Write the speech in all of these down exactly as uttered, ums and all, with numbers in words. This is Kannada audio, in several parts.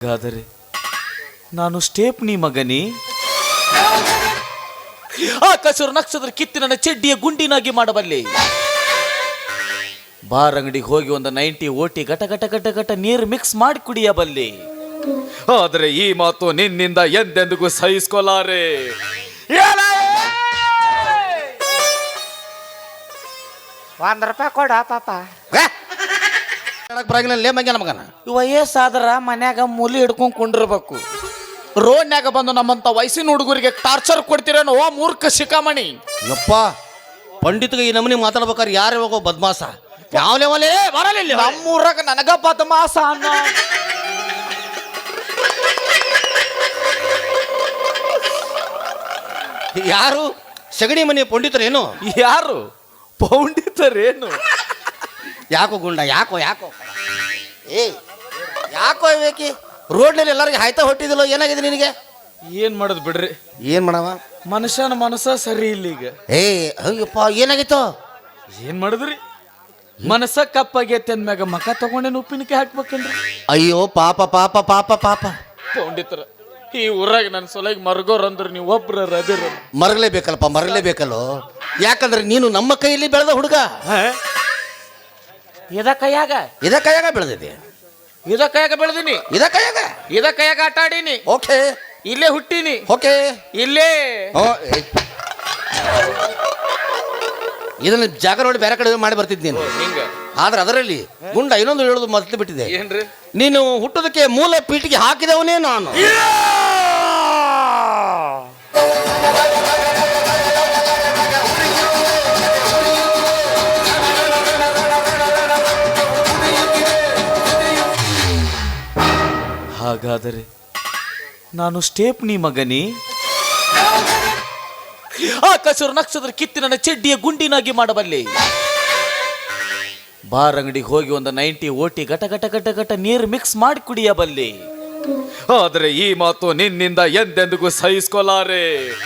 ಹಾಗಾದರೆ ನಾನು ಸ್ಟೇಪ್ನಿ ಮಗನಿ ಆಕಾಶರು ನಕ್ಷತ್ರ ಕಿತ್ತಿ ನನ್ನ ಚೆಡ್ಡಿಯ ಗುಂಡಿನಾಗಿ ಮಾಡಬಲ್ಲೆ. ಬಾರ್ ಅಂಗಡಿಗೆ ಹೋಗಿ ಒಂದು ನೈಂಟಿ ಓಟಿ ಗಟ ಗಟ ಗಟ ಗಟ ನೀರು ಮಿಕ್ಸ್ ಮಾಡಿ ಕುಡಿಯಬಲ್ಲೆ. ಆದರೆ ಈ ಮಾತು ನಿನ್ನಿಂದ ಎಂದೆಂದಿಗೂ ಸಹಿಸ್ಕೊಲಾರೆ. ಒಂದ್ ರೂಪಾಯಿ ಕೊಡ ಪಾಪ. ಮಗನ ವಯಸ್ಸಾದ್ರ ಮನ್ಯಾಗ ಮೂಲಿ ಹಿಡ್ಕೊಂಡ್ ಕುಂಡಿರ್ಬೇಕು. ರೋಡ್ನ್ಯಾಗ ಬಂದು ನಮ್ಮಂತ ವಯಸ್ಸಿನ ಹುಡುಗರಿಗೆ ಟಾರ್ಚರ್ ಕೊಡ್ತೀರೇನೋ ಓ ಮೂರ್ಖ ಶಿಖಾಮಣಿ. ಯಪ್ಪ ಪಂಡಿತ್ಗೆ ಈ ನಮೂನಿ ಮಾತಾಡ್ಬೇಕಾರೆ ಯಾರು ಹೋಗೋ ಬದ್ಮಾಸ ಯಾವ ಲೆವಲೇ ಬರಲಿಲ್ಲ. ನಮ್ಮೂರಾಗ ನನಗ ಬದ್ಮಾಸ ಅನ್ನ ಯಾರು ಸಗಣಿ ಮನೆ ಪಂಡಿತರೇನು? ಯಾರು ಪೌಂಡಿತರೇನು? ಯಾಕೋ ಗುಂಡ ಯಾಕೋ ಯಾಕೋ ಏ ಯಾಕೋ ಬೇಕಿ ರೋಡ್ನಲ್ಲಿ ಎಲ್ಲರಿಗೆ ಹಾಯ್ತಾ ಹೊಟ್ಟಿದಿಲ್ಲ. ಏನಾಗಿದೆ ನಿನಗೆ? ಏನ್ ಮಾಡೋದು ಬಿಡ್ರಿ. ಏನ್ ಮಾಡವ ಮನುಷ್ಯನ ಮನಸ್ಸ ಸರಿ ಇಲ್ಲ ಈಗ. ಏ ಅಯ್ಯಪ್ಪ ಏನಾಗಿತ್ತು? ಏನ್ ಮಾಡಿದ್ರಿ? ಮನಸ್ಸ ಕಪ್ಪಾಗೈತೆ ಅಂದ್ಮ್ಯಾಗ ಮಕ ತಗೊಂಡೇನು ಉಪ್ಪಿನಕಾಯಿ ಹಾಕ್ಬೇಕೇನ್ರಿ? ಅಯ್ಯೋ ಪಾಪ ಪಾಪ ಪಾಪ ಪಾಪ ಪೌಂಡಿತರ ಈ ಊರಾಗ ನನ್ನ ಸೊಲಗಿ ಮರ್ಗೋರ್ ಅಂದ್ರೆ ನೀವು ಒಬ್ರ ರದಿರ ಮರಲೇಬೇಕಲ್ಪ ಮರಲೇಬೇಕಲ್ಲೋ. ಯಾಕಂದ್ರೆ ನೀನು ನಮ್ಮ ಕೈಯಲ್ಲಿ ಬೆಳೆದ ಹುಡುಗ. ಇದ ಕೈಯಾಗ ಇದ ಕೈಯಾಗ ಬೆಳೆದಿದೆ. ಇದ ಕೈಯಾಗ ಬೆಳೆದಿನಿ. ಇದ ಕೈಯಾಗ ಇದ ಕೈಯಾಗ ಆಟ ಆಡೀನಿ. ಓಕೆ ಇಲ್ಲೇ ಹುಟ್ಟೀನಿ. ಓಕೆ ಇಲ್ಲೇ ಇದನ್ನ ಜಾಗ ನೋಡಿ ಬೇರೆ ಕಡೆ ಮಾಡಿ ಬರ್ತಿದ್ ನೀನು. ಆದ್ರೆ ಅದರಲ್ಲಿ ಗುಂಡ ಇನ್ನೊಂದು ಹೇಳೋದು ಮೊದಲು ಬಿಟ್ಟಿದೆ. ಏನ್ರಿ? ನೀನು ಹುಟ್ಟೋದಕ್ಕೆ ಮೂಲ ಪೀಠಿಗೆ ಹಾಕಿದವನೇ ನಾನು. ಹಾಗಾದರೆ ನಾನು ಸ್ಟೇಪ್ನಿ ಮಗನಿ ಆಕಾಶರು ನಕ್ಷತ್ರ ಕಿತ್ತಿ ನನ್ನ ಚೆಡ್ಡಿಯ ಗುಂಡಿನಾಗಿ ಮಾಡಬಲ್ಲೆ. ಬಾರ್ ಅಂಗಡಿಗೆ ಹೋಗಿ ಒಂದು ನೈಂಟಿ ಓಟಿ ಗಟ ಗಟ ಗಟ ಗಟ ನೀರು ಮಿಕ್ಸ್ ಮಾಡಿ ಕುಡಿಯಬಲ್ಲೆ. ಆದರೆ ಈ ಮಾತು ನಿನ್ನಿಂದ ಎಂದೆಂದಿಗೂ ಸಹಿಸ್ಕೊಲಾರೆ.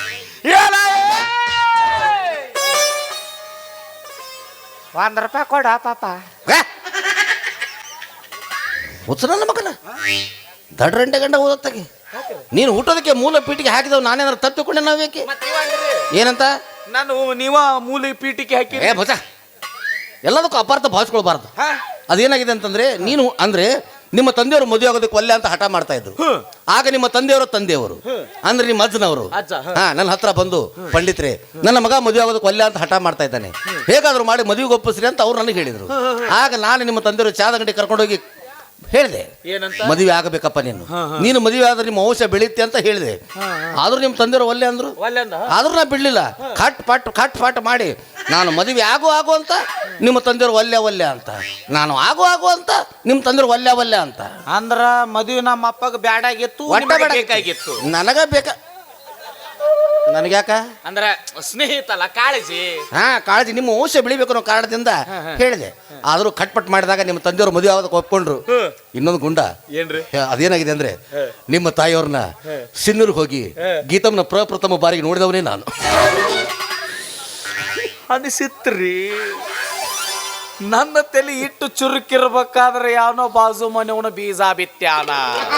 ಒಂದ್ ರೂಪಾಯಿ ಕೊಡ ಪಾಪ. ಹುಚ್ಚ ನನ್ನ ಮಗನ ದಡ್ರಂಟೆ ಗಂಡ ಓದತ್ತಾಗೆ ನೀನು ಹುಟ್ಟೋದಕ್ಕೆ ಮೂಲ ಪೀಠಿಗೆ ಹಾಕಿದವ್ ನಾನೇನಾದ್ರು ತಪ್ಪಿಕೊಂಡೆ ನಾವೇಕೆ? ಏನಂತ ನಾನು ನೀವ ಮೂಲೆ ಪೀಠಿಗೆ ಹಾಕಿ ಏ ಭಜ ಎಲ್ಲದಕ್ಕೂ ಅಪಾರ್ಥ ಭಾವಿಸ್ಕೊಳ್ಬಾರ್ದು. ಅದೇನಾಗಿದೆ ಅಂತಂದ್ರೆ ನೀನು ಅಂದ್ರೆ ನಿಮ್ಮ ತಂದೆಯವರು ಮದುವೆ ಆಗೋದಕ್ಕೆ ಒಲ್ಲೆ ಅಂತ ಹಠ ಮಾಡ್ತಾ ಇದ್ರು. ಆಗ ನಿಮ್ಮ ತಂದೆಯವರು ತಂದೆಯವರು ಅಂದ್ರೆ ನಿಮ್ಮ ಅಜ್ಜನವರು ಹಾ ನನ್ನ ಹತ್ರ ಬಂದು ಪಂಡಿತ್ರೆ ನನ್ನ ಮಗ ಮದುವೆ ಆಗೋದಕ್ಕೆ ಒಲ್ಲೆ ಅಂತ ಹಠ ಮಾಡ್ತಾ ಇದ್ದಾನೆ, ಹೇಗಾದ್ರೂ ಮಾಡಿ ಮದುವೆಗೆ ಒಪ್ಪಿಸ್ರಿ ಅಂತ ಅವ್ರು ನನಗೆ ಹೇಳಿದ್ರು. ಆಗ ನಾನು ನಿಮ್ಮ ತಂದೆಯವರು ಚಾದ ಗಂಟೆ ಕರ್ಕೊಂಡೋಗಿ ಹೇಳಿದೆ ಮದುವೆ ಆಗಬೇಕಪ್ಪ ನೀನು ನೀನು ಮದುವೆ ಆದ್ರೆ ನಿಮ್ಮ ವಂಶ ಬೆಳೀತೆ ಅಂತ ಹೇಳಿದೆ. ಆದ್ರೂ ನಿಮ್ಮ ತಂದೆಯವರು ಒಲ್ಲೆ ಅಂದ್ರು. ಆದ್ರೂ ನಾ ಬಿಡ್ಲಿಲ್ಲ. ಕಟ್ ಪಟ್ ಕಟ್ ಪಟ್ ಮಾಡಿ ನಾನು ಮದುವೆ ಆಗು ಆಗು ಅಂತ ನಿಮ್ಮ ತಂದೆಯವರು ಒಲ್ಲೆ ಒಲ್ಲೆ ಅಂತ, ನಾನು ಆಗು ಆಗು ಅಂತ ನಿಮ್ಮ ತಂದೆಯವರು ಒಲ್ಲೆ ಒಲ್ಲೆ ಅಂತ. ಅಂದ್ರ ಮದುವೆ ನಮ್ಮ ಅಪ್ಪಗ ಬ್ಯಾಡಾಗಿತ್ತು, ಬೇಕಾಗಿತ್ತು. ನನಗ ಬೇಕ ನನಗ್ಯಾಕ ಅಂದ್ರ ಸ್ನೇಹಿತಲ್ಲ ಕಾಳಜಿ. ಹಾ ಕಾಳಜಿ ನಿಮ್ಮ ವಂಶ ಬೆಳಿಬೇಕು ಅನ್ನೋ ಕಾರಣದಿಂದ ಹೇಳಿದೆ. ಆದ್ರೂ ಕಟ್ಪಟ್ ಮಾಡಿದಾಗ ನಿಮ್ಮ ತಂದೆಯವರು ಮದುವೆ ಆಗೋದಕ್ಕೆ ಒಪ್ಕೊಂಡ್ರು. ಇನ್ನೊಂದು ಗುಂಡ ಏನ್ರಿ ಅದೇನಾಗಿದೆ ಅಂದ್ರೆ ನಿಮ್ಮ ತಾಯಿಯವ್ರನ್ನ ಸಿನ್ನೂರ್ಗೆ ಹೋಗಿ ಗೀತಮ್ನ ಪ್ರಪ್ರಥಮ ಬಾರಿಗೆ ನೋಡಿದವನೇ ನಾನು. ಅನಿಸಿತ್ರಿ ನನ್ನ ತಲೆ ಇಟ್ಟು ಚುರುಕಿರ್ಬೇಕಾದ್ರೆ ಯಾವನೋ ಬಾಜು ಮನೆಯವನ ಬೀಜ ಬಿತ್ಯಾನ.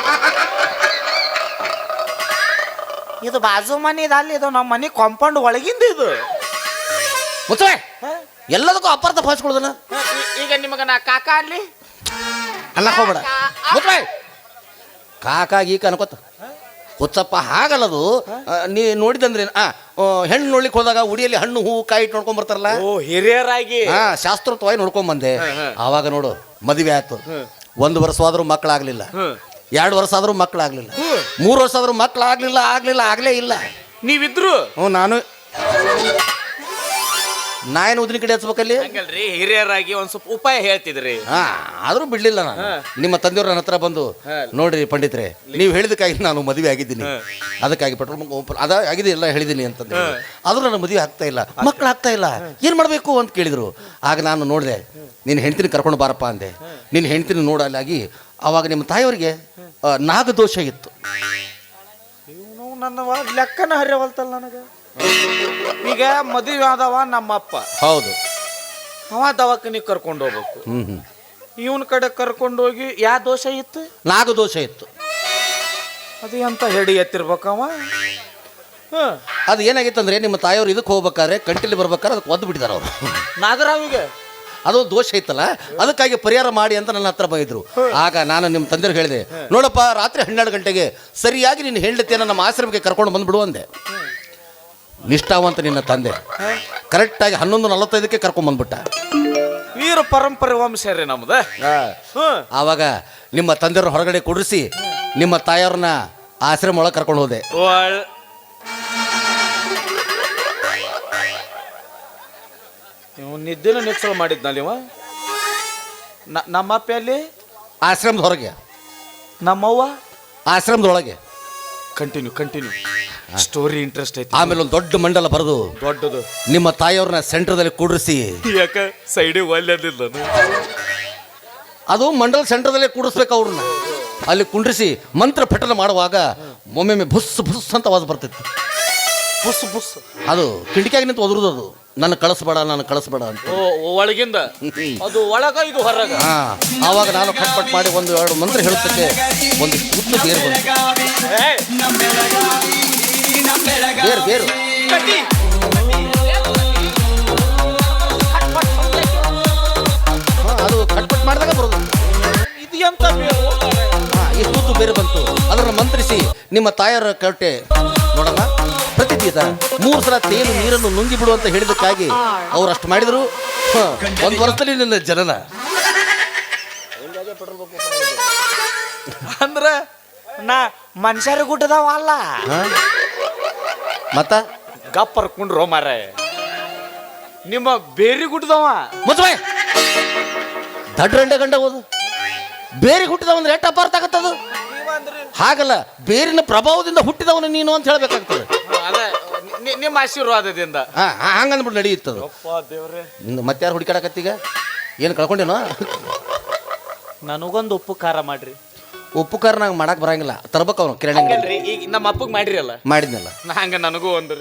ಇದು ಬಾಜು ಮನೆ ಅಲ್ಲಿ ಇದು ನಮ್ಮ ಮನೆ ಕಾಂಪೌಂಡ್ ಒಳಗಿಂದ ಇದು ಮುಚ್ಚೆ ಎಲ್ಲದಕ್ಕೂ ಅಪಾರ್ಥ ಭಾವಿಸ್ಕೊಳ್ಳೋದನ್ನ. ಈಗ ನಿಮಗ ನಾ ಕಾಕ ಅಲ್ಲಿ ಅನ್ನಕ್ ಹೋಗ್ಬೇಡ ಮುಚ್ಚೆ ಕಾಕ ಗೀಕ ಅನ್ಕೋತ ಹುಚ್ಚಪ್ಪ ಹಾಗಲ್ಲದು. ನೀ ನೋಡಿದಂದ್ರೆ ಆ ಹೆಣ್ಣು ನೋಡ್ಲಿಕ್ಕೆ ಹೋದಾಗ ಉಡಿಯಲ್ಲಿ ಹಣ್ಣು ಹೂವು ಕಾಯಿ ಇಟ್ಟು ನೋಡ್ಕೊಂಡ್ ಬರ್ತಾರಲ್ಲ, ಹಿರಿಯರಾಗಿ ಹಾ ಶಾಸ್ತ್ರೋಕ್ತವಾಗಿ ನೋಡ್ಕೊಂಡ್ ಬಂದೆ. ಆವಾಗ ನೋಡು ಮದುವೆ ಆಯ್ತು. ಒಂದು ವರ್ಷ ಆದ್ರೂ ಮಕ್ಕಳಾಗ್ಲಿಲ್ಲ, ಎರಡು ವರ್ಷ ಆದ್ರೂ ಮಕ್ಕಳಾಗ್ಲಿಲ್ಲ, ಮೂರು ವರ್ಷ ಆದ್ರೂ ಮಕ್ಕಳಾಗ್ಲಿಲ್ಲ ಆಗ್ಲಿಲ್ಲ ಆಗ್ಲೇ ಇಲ್ಲ. ನೀವಿದ್ರು ಹ್ಞೂ ನಾನು ನಾ ಏನು ಉದ್ದಿನ ಕಡೆ ಹಚ್ಬೇಕಲ್ಲಿ ಹಂಗಲ್ರಿ, ಹಿರಿಯರಾಗಿ ಒಂದ್ ಸ್ವಲ್ಪ ಉಪಾಯ ಹೇಳ್ತಿದ್ರಿ. ಹಾ ಆದ್ರೂ ಬಿಡ್ಲಿಲ್ಲ ನಾನು. ನಿಮ್ಮ ತಂದೆಯವ್ರ ನನ್ನ ಹತ್ರ ಬಂದು ನೋಡ್ರಿ ಪಂಡಿತ್ರೆ ನೀವು ಹೇಳಿದಕ್ಕಾಗಿ ನಾನು ಮದುವೆ ಆಗಿದ್ದೀನಿ, ಅದಕ್ಕಾಗಿ ಪೆಟ್ರೋಲ್ ಬಂಕ್ ಅದ ಆಗಿದೆ ಎಲ್ಲ ಹೇಳಿದ್ದೀನಿ ಅಂತಂದ್ರೆ ಆದ್ರೂ ನನ್ನ ಮದುವೆ ಆಗ್ತಾ ಇಲ್ಲ, ಮಕ್ಕಳು ಆಗ್ತಾ ಇಲ್ಲ, ಏನ್ ಮಾಡ್ಬೇಕು ಅಂತ ಕೇಳಿದ್ರು. ಆಗ ನಾನು ನೋಡಿದೆ ನಿನ್ನ ಹೆಂಡ್ತಿನ ಕರ್ಕೊಂಡು ಬಾರಪ್ಪ ಅಂದೆ. ನಿನ್ನ ಹೆಂಡ್ತಿನ ನೋಡಲಾಗಿ ಅವಾಗ ನಿಮ್ಮ ತಾಯಿಯವರಿಗೆ ನಾಗದೋಷ ಇತ್ತು. ನನ್ನ ಲೆಕ್ಕನ ಹರಿಯವಲ್ತಲ್ಲ ನನಗೆ. ಈಗ ಮದುವೆ ಆದವ ನಮ್ಮಪ್ಪ, ಹೌದು, ಅವ ದವಾಖಾನಿಗೆ ಕರ್ಕೊಂಡು ಹೋಗ್ಬೇಕು. ಹ್ಮ್ ಹ್ಮ್ ಇವನ್ ಕಡೆ ಕರ್ಕೊಂಡು ಹೋಗಿ ಯಾವ ದೋಷ ಇತ್ತು? ನಾಗದೋಷ ಇತ್ತು. ಅದು ಎಂತ ಹೆಡಿ ಎತ್ತಿರ್ಬೇಕವ. ಹಾಂ, ಅದು ಏನಾಗಿತ್ತಂದ್ರೆ ನಿಮ್ಮ ತಾಯಿಯವರು ಇದಕ್ಕೆ ಹೋಗ್ಬೇಕಾದ್ರೆ ಕಂಟಿಲಿ ಬರ್ಬೇಕಾದ್ರೆ ಅದಕ್ಕೆ ಒದ್ದು ಬಿಟ್ಟಿದ್ದಾರೆ ಅವರು. ನಾಗರಾವಿಗೆ ಅದು ದೋಷ ಐತಲ್ಲ, ಅದಕ್ಕಾಗಿ ಪರಿಹಾರ ಮಾಡಿ ಅಂತ ನನ್ನ ಹತ್ರ ಬಂದಿದ್ರು. ಆಗ ನಾನು ನಿಮ್ಮ ತಂದೆಯವ್ರು ಹೇಳಿದೆ, ನೋಡಪ್ಪ ರಾತ್ರಿ ಹನ್ನೆರಡು ಗಂಟೆಗೆ ಸರಿಯಾಗಿ ನಿನ್ನ ಹೆಂಡತಿಯನ್ನು ನಮ್ಮ ಆಶ್ರಮಕ್ಕೆ ಕರ್ಕೊಂಡು ಬಂದ್ಬಿಡು ಅಂದೆ. ನಿಷ್ಠಾವಂತ ನಿನ್ನ ತಂದೆ ಕರೆಕ್ಟಾಗಿ ಹನ್ನೊಂದು ನಲವತ್ತೈದಕ್ಕೆ ಕರ್ಕೊಂಡ್ ಬಂದ್ಬಿಟ್ಟ. ವೀರ ಪರಂಪರೆ ವಂಶ ರೀ ನಮ್ದ. ಆವಾಗ ನಿಮ್ಮ ತಂದೆಯವ್ರ ಹೊರಗಡೆ ಕುಡಿಸಿ ನಿಮ್ಮ ತಾಯಿಯವ್ರನ್ನ ಆಶ್ರಮ ಒಳಗೆ ಕರ್ಕೊಂಡು ಹೋದೆ. ನೀವು ನಿದ್ದೆನೂ ನಿಚ್ಚಳ ಮಾಡಿದ್ನಲ್ಲಿ ಇವ. ನಮ್ಮಪ್ಪ ಅಲ್ಲಿ ಆಶ್ರಮದ ಹೊರಗೆ, ನಮ್ಮವ್ವ ಆಶ್ರಮದೊಳಗೆ. ಕಂಟಿನ್ಯೂ ಕಂಟಿನ್ಯೂ ಸ್ಟೋರಿ ಇಂಟ್ರೆಸ್ಟ್ ಐತಿ. ಆಮೇಲೆ ಒಂದು ದೊಡ್ಡ ಮಂಡಲ ಬರೆದು ದೊಡ್ಡದು ನಿಮ್ಮ ತಾಯಿಯವ್ರನ್ನ ಸೆಂಟರ್ದಲ್ಲಿ ಕೂಡಿಸಿ, ಯಾಕ ಸೈಡಿಗೆ ಒಲ್ಲೆದಿಲ್ಲ, ಅದು ಮಂಡಲ ಸೆಂಟರ್ದಲ್ಲೇ ಕೂಡಿಸ್ಬೇಕು ಅವ್ರನ್ನ. ಅಲ್ಲಿ ಕುಂಡ್ರಿಸಿ ಮಂತ್ರ ಪಠನ ಮಾಡುವಾಗ ಒಮ್ಮೊಮ್ಮೆ ಬುಸ್ ಬುಸ್ ಅಂತ ಆವಾಜ್ ಬರ್ತಿತ್ತು. ಬುಸ್ ಬುಸ್ ಅದು ಕಿಟಕಿಯಾಗಿ ನಿಂತು ಒದರುದು. ಅದು ನನ್ನ ಕಳಿಸ್ಬೇಡ ನಾನು ಕಳಿಸ್ಬೇಡ ಅಂತ. ಓ ಒಳಗಿಂದ ಅದು ಒಳಗ ಇದು ಹೊರಗ. ಹಾ, ಆವಾಗ ನಾನು ಕಟ್ಪಟ್ ಮಾಡಿ ಒಂದು ಎರಡು ಮಂತ್ರ ಹೇಳುತ್ತಕ್ಕೆ ಒಂದು ಉದ್ದ ಬೇರು ಬಂತು. ಬೇರು ಬೇರು ಅದು ಕಟ್ಪಟ್ ಮಾಡಿದಾಗ ಬರೋದು. ಇದು ಎಂತ ಬೇರು? ಹಾ, ಈ ಉದ್ದು ಬೇರು ಬಂತು. ಅದನ್ನು ಮಂತ್ರಿಸಿ ನಿಮ್ಮ ತಾಯರ ಕಟ್ಟೆ ನೋಡಮ್ಮ, ಪ್ರತಿದಿನ ಮೂರು ಸಲ ತೇಲು ನೀರನ್ನು ನುಂಗಿ ಬಿಡು ಅಂತ ಹೇಳಿದಕ್ಕಾಗಿ ಅವ್ರು ಅಷ್ಟು ಮಾಡಿದ್ರು. ಒಂದು ವರ್ಷದಲ್ಲಿ ನಿನ್ನ ಜನನ ಅಂದ್ರ ನಾ ಮನುಷ್ಯರ ಗುಡ್ಡದವ ಅಲ್ಲ, ಮತ್ತ ಗಪ್ಪರ್ ಕುಂಡ್ರೋ ಮಾರ ನಿಮ್ಮ ಬೇರಿ ಗುಡ್ಡದವ. ಮುಚ್ಚಬಾಯ್, ದಡ್ಡ ಗಂಟೆ ಗಂಡ ಓದು. ಬೇರೆ ಹುಟ್ಟಿದವ ಅಂದ್ರೆ ಎಷ್ಟು ಅಪಾರ್ಥ ಆಗತ್ತದು. ಹಾಗಲ್ಲ, ಬೇರಿನ ಪ್ರಭಾವದಿಂದ ಹುಟ್ಟಿದವನು ನೀನು ಅಂತ ಹೇಳ್ಬೇಕಾಗ್ತದೆ. ನಿಮ್ಮ ಆಶೀರ್ವಾದದಿಂದ ಹಂಗಂದ್ಬಿಟ್ಟು ನಡೆಯುತ್ತದು. ಮತ್ತಾರು ಹುಡುಕಾಡಕತ್ತೀಗ ಏನು ಕಳ್ಕೊಂಡೇನೋ? ನನಗೊಂದು ಉಪ್ಪು ಖಾರ ಮಾಡ್ರಿ. ಉಪ್ಪು ಖಾರ ನಂಗೆ ಮಾಡಕ್ ಬರಂಗಿಲ್ಲ, ತರ್ಬೇಕು ಅವನು ಕಿರಾಣಿ ಅಂಗಡಿ. ಈಗ ನಮ್ಮ ಅಪ್ಪಗೆ ಮಾಡ್ರಿ ಅಲ್ಲ, ಮಾಡಿದ್ನಲ್ಲ ಹಂಗ ನನಗೂ ಒಂದ್ರಿ.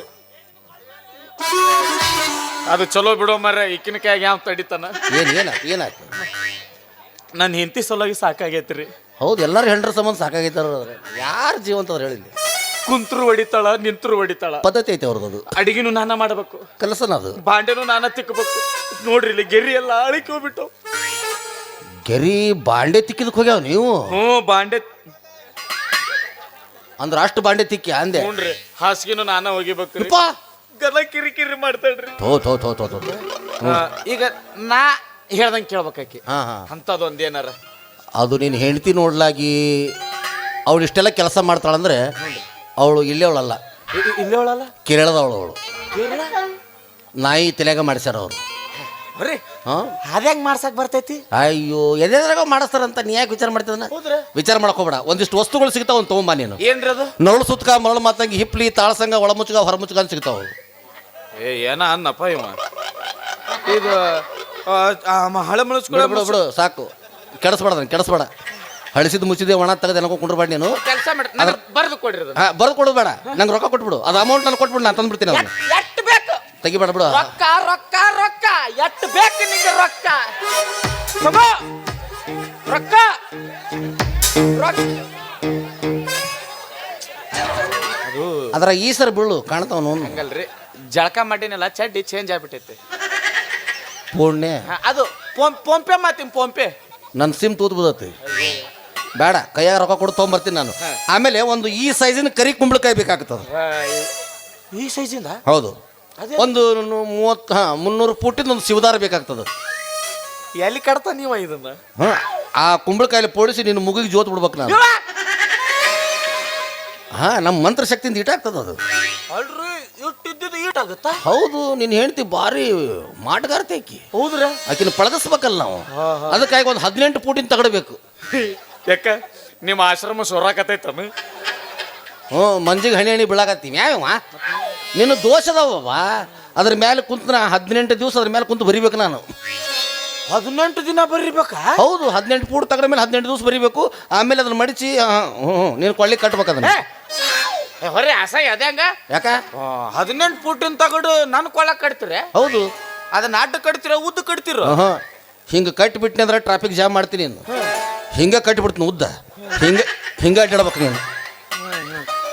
ಅದು ಚಲೋ ಬಿಡೋ ಮರ ಈಕಿನ ಕೈಯಾಗ ಯಾವ ತಡಿತಾನ. ಏನು ಏನಾಯ್ತು ಏನಾಯ್ತು? ನನ್ನ ಹೆಂಡತಿ ಸಲುವಾಗಿ ಸಾಕಾಗೈತ್ರಿ. ಹೌದು, ಎಲ್ಲರೂ ಹೆಂಡ್ರ ಸಂಬಂಧ ಸಾಕಾಗೈತಾರ. ಯಾರು ಜೀವಂತ ಅವ್ರು ಹೇಳಿಲ್ಲ. ಕುಂತ್ರು ಹೊಡಿತಾಳ, ನಿಂತ್ರು ಹೊಡಿತಾಳ. ಪದ್ಧತಿ ಐತೆ ಅವ್ರದ್ದು. ಅದು ಅಡಿಗೆನು ನಾನ ಮಾಡಬೇಕು, ಕೆಲಸನ ಅದು. ಬಾಂಡೆನು ನಾನ ತಿಕ್ಕಬೇಕು. ನೋಡ್ರಿ ಇಲ್ಲಿ ಗೆರಿ ಎಲ್ಲ ಅಳಿಕೆ ಹೋಗ್ಬಿಟ್ಟು. ಗೆರಿ ಬಾಂಡೆ ತಿಕ್ಕಿದಕ್ಕೆ ಹೋಗ್ಯಾವ ನೀವು? ಹ್ಞೂ, ಬಾಂಡೆ ಅಂದ್ರೆ ಅಷ್ಟು ಬಾಂಡೆ ತಿಕ್ಕಿ ಅಂದೆ. ಹ್ಞೂನ್ರಿ, ಹಾಸಿಗೆನು ನಾನ ಹೋಗಿಬೇಕು. ಗಲ ಕಿರಿ ಕಿರಿ ಮಾಡ್ತಾಳ್ರಿ. ಥೋ ಥೋ ಥೋ ಥೋ ಥೋ. ಈಗ ನಾ ಹೇಳ್ದಂಗೆ ಕೇಳ್ಬೇಕಾಕಿ. ಹಾ ಹಾ, ಅಂಥದ್ದೊಂದು ಏನಾರ ಅದು ನೀನು ಹೆಂಡತಿ ನೋಡ್ಲಾಗಿ ಅವಳು ಇಷ್ಟೆಲ್ಲ ಕೆಲಸ ಮಾಡ್ತಾಳಂದ್ರೆ ಅವಳು ಇಲ್ಲೇ ಅವಳಲ್ಲ, ಇಲ್ಲೇ ಅವಳಲ್ಲ, ಕೇರಳದವಳು ಅವಳು. ನಾಯಿ ತಲೆಯಾಗ ಮಾಡಿಸ್ಯಾರ ಅವರು. ಬರ್ರಿ, ಹಾಂ, ಅದ್ಯಾಂಗ ಮಾಡ್ಸಕ್ ಬರ್ತೈತಿ? ಅಯ್ಯೋ, ಎದ್ರಾಗ ಮಾಡಿಸ್ತಾರಂತ ನೀ ಯಾಕೆ ವಿಚಾರ ಮಾಡ್ತಿದ್ದಾನ? ವಿಚಾರ ಮಾಡಕ್ ಹೋಗ್ಬೇಡ. ಒಂದಿಷ್ಟು ವಸ್ತುಗಳು ಸಿಗ್ತಾವ, ಒಂದು ತೊಗೊಂಬ ನೀನು. ಏನ್ರಿ ಅದು? ನರಳು ಸುತ್ಕ, ಮರಳು ಮಾತಂಗಿ, ಹಿಪ್ಲಿ, ತಾಳಸಂಗ, ಒಳಮುಚ್ಗ, ಹೊರಮುಚ್ಗ ಅಂತ ಸಿಗ್ತಾವ. ಏ ಏನ ಅನ್ನಪ್ಪ ಇವ. ಇದು ಹಳೆ ಬಿಡು ಬಿಡು ಬಿಡು, ಸಾಕು. ಕೆಡಿಸ್ಬೇಡ ಕೆಡಿಸ್ಬೇಡ. ಹಳಿಸಿದ್ ಮುಚ್ಚಿದೆ ಒಣ ತೆಗೆದು ಏನೋ ಕುಂಡ್ರಬೇಡ ನೀನು. ಕೆಲಸ ಮಾಡಿ ಬರೆದು ಕೊಡ್ರಿ. ಹಾಂ, ಬರೆದು ಕೊಡೋದು ಬೇಡ, ನಂಗೆ ರೊಕ್ಕ ಕೊಟ್ಬಿಡು. ಅದು ಅಮೌಂಟ್ ನಾನು ಕೊಟ್ಬಿಡು, ನಾನು ತಂದ್ಬಿಡ್ತೀನಿ. ಅವನು ಎಷ್ಟು ಬೇಕು ತೆಗಿಬೇಡ ಬಿಡು. ರೊಕ್ಕ ರೊಕ್ಕ ರೊಕ್ಕ ಎಷ್ಟು ಬೇಕು ನಿಂಗೆ? ರೊಕ್ಕ ತಗೋ, ರೊಕ್ಕ ರೊಕ್ಕ. ಅದು ಅದರ ಈ ಸರ್ ಬೀಳು ಕಾಣ್ತಾವನು. ಹಂಗಲ್ರಿ, ಜಳಕ ಮಾಡಿನಲ್ಲ ಚಡ್ಡಿ ಚೇಂಜ್ ಆಗ್ಬಿಟ್ಟೈತಿ. ಪೂರ್ಣೆ ಅದು ಫೋನ್ಪೇ ಮಾತೀನಿ, ಫೋನ್ಪೇ. ನನ್ನ ಸಿಮ್ ತೂತ್ ಬಿದ್ದತಿ. ಬೇಡ, ಕೈಯಾಗ ರೊಕ್ಕ ಕೊಡು ತೊಗೊಂಬರ್ತೀನಿ ನಾನು. ಆಮೇಲೆ ಒಂದು ಈ ಸೈಜಿನ ಕರಿ ಕುಂಬಳಕಾಯಿ ಬೇಕಾಗ್ತದೆ. ಈ ಸೈಜಿಂದ? ಹೌದು, ಒಂದು ಮೂವತ್ತು ಹಾಂ ಮುನ್ನೂರು ಫೂಟಿಂದ ಒಂದು ಶಿವದಾರ ಬೇಕಾಗ್ತದೆ. ಎಲ್ಲಿ ಕಡ್ತಾ ನೀವ ಇದನ್ನ? ಹಾಂ, ಆ ಕುಂಬಳಕಾಯಲ್ಲಿ ಪೋಡಿಸಿ ನೀನು ಮುಗಿಗೆ ಜೋತ್ ಬಿಡ್ಬೇಕು ನಾನು. ಹಾಂ, ನಮ್ಮ ಮಂತ್ರ ಶಕ್ತಿಯಿಂದ ಈಟಾಗ್ತದೆ ಅದು. ಅಲ್ರಿ, ಇಟ್ಟಿದ್ದು ಈಟಾಗುತ್ತಾ? ಹೌದು, ನೀನು ಹೇಳ್ತಿ ಭಾರಿ ಮಾಟಗಾರ್ತಿ ಆಕಿ. ಹೌದ್ರ? ಆಕಿನ ಪಳಗಿಸ್ಬೇಕಲ್ಲ ನಾವು. ಅದಕ್ಕಾಗಿ ಒಂದು ಹದಿನೆಂಟು ಫೂಟಿನ ತಗಡಬೇಕು. ಯಾಕ ನಿಮ್ಮ ಆಶ್ರಮ ಸೊರಾಕತೈತನು? ಹ್ಞೂ, ಮಂಜಿಗೆ ಹಣಿ ಹಣಿ ಬೀಳಾಕತ್ತೀವಿ. ಯಾವ್ಯಾವ ನಿನ್ನ ದೋಷದವ. ಅದ್ರ ಮೇಲೆ ಕುಂತ ಹದಿನೆಂಟು ದಿವಸ ಅದ್ರ ಮೇಲೆ ಕುಂತು ಬರಿಬೇಕು ನಾನು. ಹದಿನೆಂಟು ದಿನ ಬರಿಬೇಕಾ? ಹೌದು, ಹದಿನೆಂಟು ಫೂಟ್ ತಗಡ ಮೇಲೆ ಹದಿನೆಂಟು ದಿವಸ ಬರಿಬೇಕು. ಆಮೇಲೆ ಅದನ್ನ ಮಡಿಚಿ ಹ್ಞೂ ನೀನು ಕೊಳ್ಳಿ ಕಟ್ಬೇಕು ಅದನ್ನ. ಹೊರೆ ಅಸಹ್ಯ ಅದ್ಯಾಂಗ? ಯಾಕ? ಹದಿನೆಂಟು ಫೂಟಿನ ತಗಡು ನನ್ನ ಕೊಳ್ಳಕ್ ಕಟ್ತೀರ? ಹೌದು, ಅದನ್ನ ಅಡ್ಡ ಕಟ್ತೀರ ಉದ್ದ ಕಟ್ತೀರ? ಹಾಂ, ಹಿಂಗೆ ಕಟ್ಟಿಬಿಟ್ಟಿನಿ ಅಂದ್ರೆ ಟ್ರಾಫಿಕ್ ಜಾಮ್ ಮಾಡ್ತೀನಿ ನೀನು. ಹಿಂಗೆ ಕಟ್ಟಿಬಿಡ್ತೀನಿ ಉದ್ದ. ಹಿಂಗೆ ಹಿಂಗೆ ಅಡ್ಡಾಡ್ಬೇಕು ನೀನು.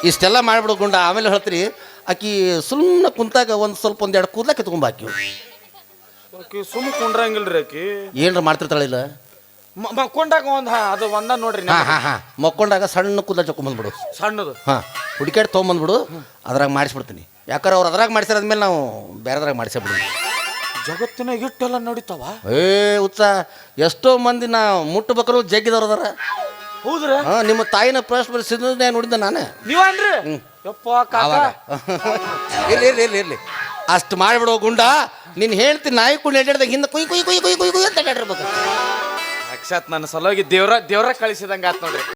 ಇಷ್ಟೆಲ್ಲ ಮಾಡ್ಬಿಡು ಗುಂಡ ಆಮೇಲೆ ಹೇಳ್ತೀರಿ ಆಕಿ ಸುಮ್ಮನೆ ಕುಂತಾಗ ಒಂದು ಸ್ವಲ್ಪ ಒಂದೆರಡು ಕೂದ್ಲ ಕಿತ್ಕೊಂಡ್ ಹಾಕಿ ಆಕಿ ಸುಮ್ ಕುಂಡ್ರಂಗಿಲ್ರಿ ಆಕಿ ಏನ್ರ ಮಾಡ್ತಿರ್ತಾಳಿಲ್ಲ ಮ- ಮಕ್ಕೊಂಡಾಗ ಒಂದ್ ಹಾ ಅದು ಒಂದ ನೋಡ್ರಿ ಹಾ ಹಾ ಹಾ ಮಕ್ಕೊಂಡಾಗ ಸಣ್ಣ ಕೂದಲ ಚೊಕೊಂಬಂದ್ಬಿಡು ಸಣ್ಣದು ಹಾ ಹುಡುಕ್ಯಾಡ್ ತೊಗೊಂಬಂದ್ಬಿಡು ಅದ್ರಾಗ ಮಾಡಿಸ್ಬಿಡ್ತೀನಿ ಯಾಕಂದ್ರೆ ಅವ್ರು ಅದ್ರಾಗ ಮಾಡಿಸಿರೋದ್ಮೇಲೆ ನಾವು ಬೇರೆದ್ರಾಗ ಮಾಡಿಸ್ಬಿಡ್ತೀನಿ ಜಗತ್ತಿನಾಗ ಇಟ್ಟೆಲ್ಲ ನಡೀತಾವ ಏ ಉತ್ಸ ಎಷ್ಟೋ ಮಂದಿ ನಾ ಮುಟ್ಟಬೇಕಾರು ಜಗ್ಗಿದವ್ರು ಅದಾರ ಹೌದ್ರ ಹಾ ನಿಮ್ಮ ತಾಯಿನ ಪ್ರಶ್ನೆ ನೋಡಿದ್ದೆ ನಾನೇ ನೀವನ್ರಿ ಯಪ್ಪ ಕಾಕ ಅವಾಗ ಇರ್ಲಿ ಇರ್ಲಿ ಇರ್ಲಿ ಇರ್ಲಿ ಅಷ್ಟು ಮಾಡಿಬಿಡೋ ಗುಂಡ ನೀನು ಹೇಳ್ತೀನಿ ನಾಯಿ ಕುಂಡು ಎಡ್ದಾಗ ಹಿಂದೆ ಕುಯ್ ಕುಯ್ ಕುಯ್ ಕುಯ್ ಕುಯ್ ಕುಯ್ ಅಂತ ಅಡ್ಡಾಡಿರ್ಬೇಕು ಸಾಕ್ಷಾತ್ ನನ್ನ ಸಲುವಾಗಿ ದೇವ್ರ ದೇವ್ರ ಕಳಿಸಿದಂಗ ಆತ್ ನೋಡ್ರಿ